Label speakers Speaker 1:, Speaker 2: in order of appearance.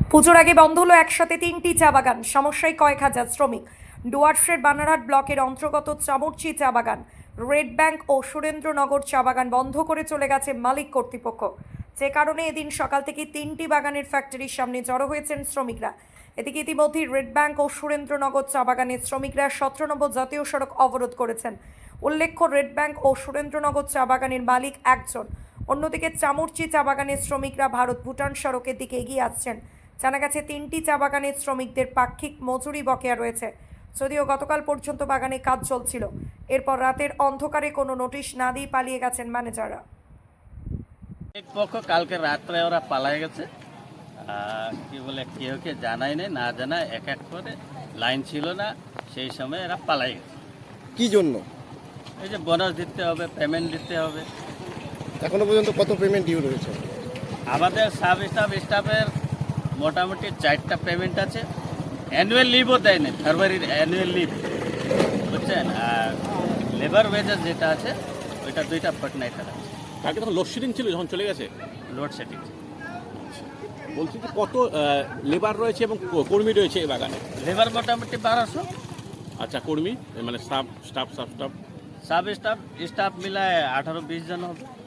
Speaker 1: পুজোর আগে বন্ধ হলো একসাথে 3টি চা বাগান, সমস্যায় কয়েক হাজার শ্রমিক। ডুয়ার্সের বানারহাট ব্লকের অন্তর্গত চামুরচি চা বাগান, রেড ব্যাংক ও সুরেন্দ্রনগর চা বাগান বন্ধ করে চলে গেছে মালিক কর্তৃপক্ষ। যে কারণে এদিন সকাল থেকে 3টি বাগানের ফ্যাক্টরির সামনে জড়ো হয়েছেন শ্রমিকরা। এদিকে ইতিমধ্যেই রেড ব্যাংক ও সুরেন্দ্রনগর চা বাগানের শ্রমিকরা 17 নম্বর জাতীয় সড়ক অবরোধ করেছেন। উল্লেখ্য, রেড ব্যাংক ও সুরেন্দ্রনগর চা বাগানের মালিক একজন, অন্যদিকে চামুরচি চা বাগানের শ্রমিকরা ভারত ভুটান সড়কের দিকে এগিয়ে আসছেন। জানা গেছে 3টি চা বাগানের শ্রমিকদের পাক্ষিক মজুরি বকেয়া রয়েছে, যদিও গতকাল পর্যন্ত বাগানে কাজ চলছিল। এরপর রাতের অন্ধকারে কোনো নোটিশ না দিয়ে পালিয়ে গেছেন ম্যানেজাররা।
Speaker 2: এক পক্ষ কালকে রাত্রে ওরা পালায় গেছে, কি বলে কেউকে জানাই নেই, না জানায় এক এক করে লাইন ছিল না, সেই সময় এরা পালাই গেছে।
Speaker 3: কি জন্য?
Speaker 2: এই যে বোনাস দিতে হবে, পেমেন্ট দিতে হবে।
Speaker 3: এখনো পর্যন্ত কত পেমেন্ট ডিউ রয়েছে?
Speaker 2: আমাদের স্টাফের মোটামুটি 4টা পেমেন্ট আছে। অ্যানুয়াল লিভও দেয় না, ফেব্রুয়ারির অ্যানুয়াল লিভ, বুঝছেন। আর লেবার ওয়েজেস যেটা আছে ওইটা 2টা ফর্টনাইটের আছে।
Speaker 4: কালকে তখন লোডশেডিং ছিল, যখন চলে গেছে
Speaker 2: লোডশেডিং।
Speaker 4: বলছি যে কত লেবার রয়েছে এবং কর্মী রয়েছে এই বাগানে?
Speaker 2: লেবার মোটামুটি 1200।
Speaker 4: আচ্ছা, কর্মী মানে স্টাফ
Speaker 2: স্টাফ মিলায় 18-20 জন হবে।